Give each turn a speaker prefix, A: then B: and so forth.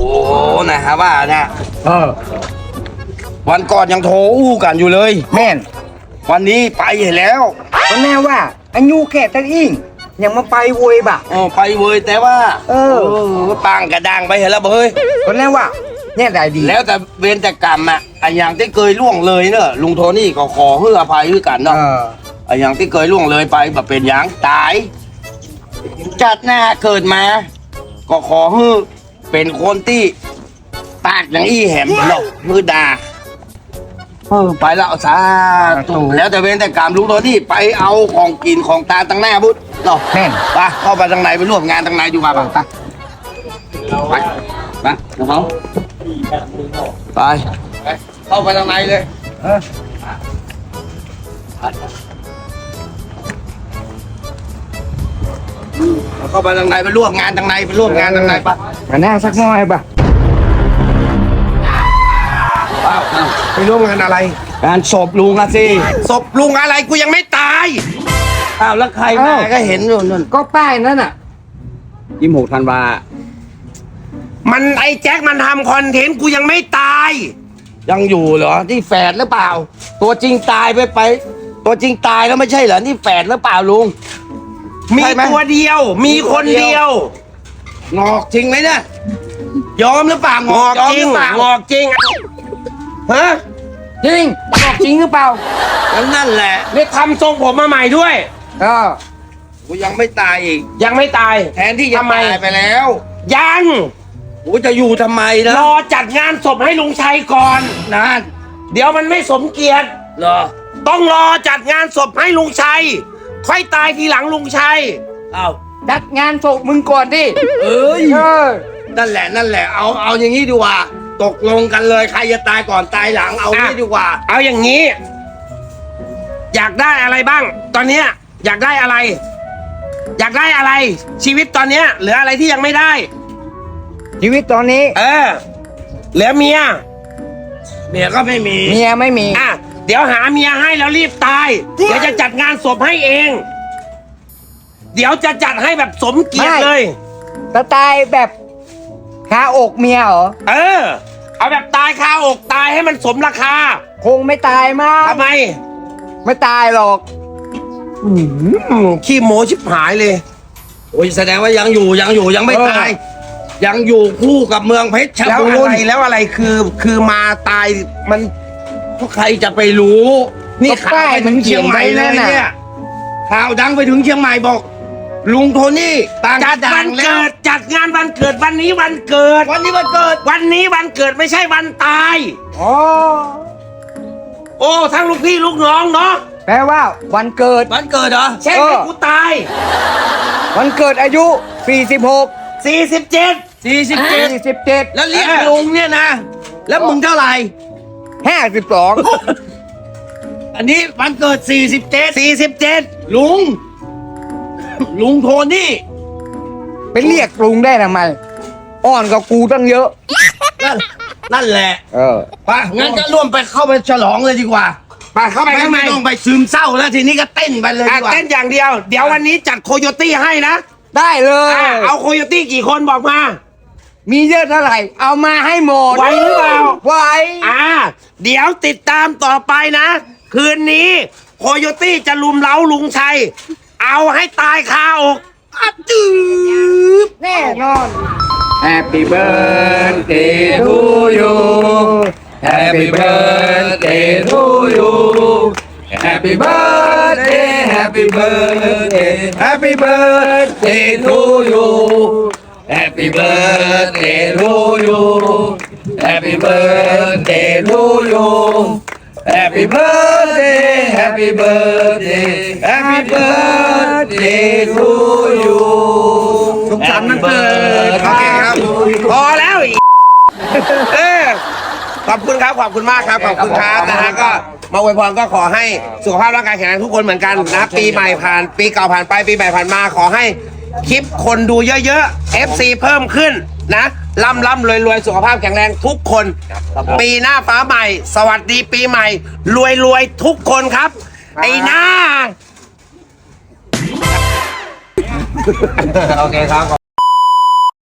A: นะครับว่าเนี่ย
B: วันก่อนยังโทรอู้กันอยู่เลย
A: แม่น
B: วันนี้ไปเห็นแล้ว
A: ก็แน่ว่าอายุแค่ตั้งอิงยังมาไปโวยบ่ะ
B: ไปเว้ยแต่ว่า ปังกระดังไปเห็นแล้วเฮ้ย
A: ก็แน่ว่าเนี่ยได้ดี
B: แล้วแต่เวรแต่กรรมอ่ะไอ้อย่างที่เคยล่วงเลยเนอะลุงโทนี่ก็ขอให้อภัยด้วยกันเนาะไอ้อย่างที่เคยล่วงเลยไปแบบเป็นอย่างตายจัดหน้าเกิดมา ก็ขอให้เป็นคนที่ปากอย่างอี้แหมหรอกมือดาไปแล้วสาธุแล้วแต่เวรแต่กรรมลุงโทนี่ไปเอาของกินของตาตั้งหน้าบุตรเนาะ
A: แม่น
B: ไปเข้าไปทางในไปร่วมงานทางในอยู่มาบ้างไปไปน้องไปเข้าไปทางในเลยเข้าไปทางในไปร่วมงานทางในไปร่วมงานทางในปะ
A: มาแน่สักหน่อยบ่ะไปร่วมงานอะไร
B: งานศพลุงอะสิศพลุงอะไรกูยังไม่ตายอ้าวแล้วใครมาก็เห็นอยู่นั่น
A: ก็ป้ายนั่นน่ะ
B: 26 ธันวามันไอ้แจ็คมันทำคอนเทนต์กูยังไม่ตาย ยังอยู่เหรอที่แฝดหรือเปล่า ตัวจริงตายไปตัวจริงตายแล้วไม่ใช่เหรอนี่แฝดหรือเปล่าลุง มีตัวเดียว มีคนเดียว งอกจริงไหมเนี่ยยอมหรือเปล่างอกจริงงอกจริงฮะ
A: จริงบอกจริงหรือเปล่า
B: นั่นแหละ
C: นี่ทำทรงผมมาใหม่ด้วย
B: กูยังไม่ตายอีก
C: ยังไม่ตาย
B: แทนที่จะ
C: ทำไม
B: ตายไปแล้ว
C: ยัง
B: กูจะอยู่ทำไมนะ
C: รอจัดงานศพให้ลุงชัยก่อน
B: นั่น
C: เดี๋ยวมันไม่สมเกียรติ
B: เหรอ
C: ต้องรอจัดงานศพให้ลุงชัย ค่อยตายทีหลังลุงชัย
B: เอา
A: จัดงานศพมึงก่อนดิ
B: เอ้ยนั่นแหละเอาอย่างนี้ดีกว่าตกลงกันเลยใครจะตายก่อนตายหลังเอานี้ดีกว่า
C: เอาอย่างนี้ อยากได้อะไรบ้าง ตอนเนี้ยอยากได้อะไร อยากได้อะไร ชีวิตตอนเนี้ยเหลืออะไรที่ยังไม่ได้
A: ชีวิตตอนนี้
C: เหลือเมีย
B: เมียก็ไม่มี
A: เมียไม่มี
C: เดี๋ยวหาเมียให้แล้วรีบตาย เดี๋ยวจะจัดงานศพให้เอง เดี๋ยวจะจัดให้แบบสมเกียรติ
A: ไม่
C: เลย
A: จะตายแบบคาอกเมียเหรอ
C: เอาแบบตายคาอกตายให้มันสมราคา
A: คงไม่ตายมาก
C: ทำไม
A: ไม่ตายหรอก
C: ขี้โมชิบหายเลย
B: โอ้ยแสดงว่ายังอยู่ยังไม่ตาย ยังอยู่คู่กับเมืองเพชร
C: แล้ว
B: บู
C: อะ
B: ร
C: ไร
B: ณ์
C: แล้วอะไรคือมาตายมัน
B: พวกใครจะไปรู้ นี่ข่าวไปถึงเชียงใหม่เลยเนี่ยข่าวดังไปถึงเชียงใหม่บอก ลุงโทนี่ต่าง
C: จัด
B: ดั
C: วั
B: ง
C: น
B: แล้
C: เกิ
B: ว
C: ดจัดงานวันเกิดวันนี้วันเกิด
B: วันนี้วันเกิด
C: วันนี้วันเกิดไม่ใช่วันตาย
A: อ๋อ
C: โอ้ทั้งลูกพี่ลูกน้องเนาะ
A: แปลว่าวันเกิด
B: วันเกิดเหรอ
C: เช่นให้กูตาย
A: วันเกิดอายุ 46
C: 47
A: 47
B: แล้วเรียกลุงเนี่ยนะ แล้วมึงเท่าไหร่
A: 52
B: อันนี้วันเกิด
C: 47
B: ลุงโทนี่
A: ไปเรียกลุงได้ทำไม อ่อนกับกูตั้งเยอะ
B: นั่นแหละ
A: ไป
B: งั้นก็ร่วมไปเข้าไปฉลองเลยดีกว่า
C: ไปเข้าไปข้างใน
B: ไม่ต้องไปซึมเศร้าแล้วทีนี้ก็เต้นไปเลยดีกว่า
C: เต้นอย่างเดียว เดี๋ยววันนี้จัดโคโยตี้ให้นะ
A: ได้เลย
C: เอาโคโยตี้กี่คนบอกมา
A: มีเยอะเท่าไหร่ เอามาให้หมด
C: ไหวหรือเปล่า
A: ไหว
C: เดี๋ยวติดตามต่อไปนะ คืนนี้โคโยตี้จะลุมเล้าลุงชัย เอาให้ตายคาอกจืบ
A: แน่นอน
D: Happy birthday to you. Happy birthday to you. Happy birthday, happy birthday, happy birthday to you. Happy birthday to you. Happy birthday to you. Happy birthday, happy birthday, happy birthday to you.
C: สุขสันต์วันเกิดโอเคครับ พอแล้วอีกขอบคุณครับ ขอบคุณมากครับ ขอบคุณครับนะฮะก็มาอวยพรก็ขอให้สุขภาพร่างกายแข็งแรงทุกคนเหมือนกันนะ ปีใหม่ผ่าน ปีเก่าผ่านไป ปีใหม่ผ่านมา ขอให้คลิปคนดูเยอะๆ FC เพิ่มขึ้นนะร่ำรวยสุขภาพแข็งแรงทุกคน ปีหน้าฟ้าใหม่ สวัสดีปีใหม่ รวยทุกคนครับ ไอ้หน้า
B: โอเคครับ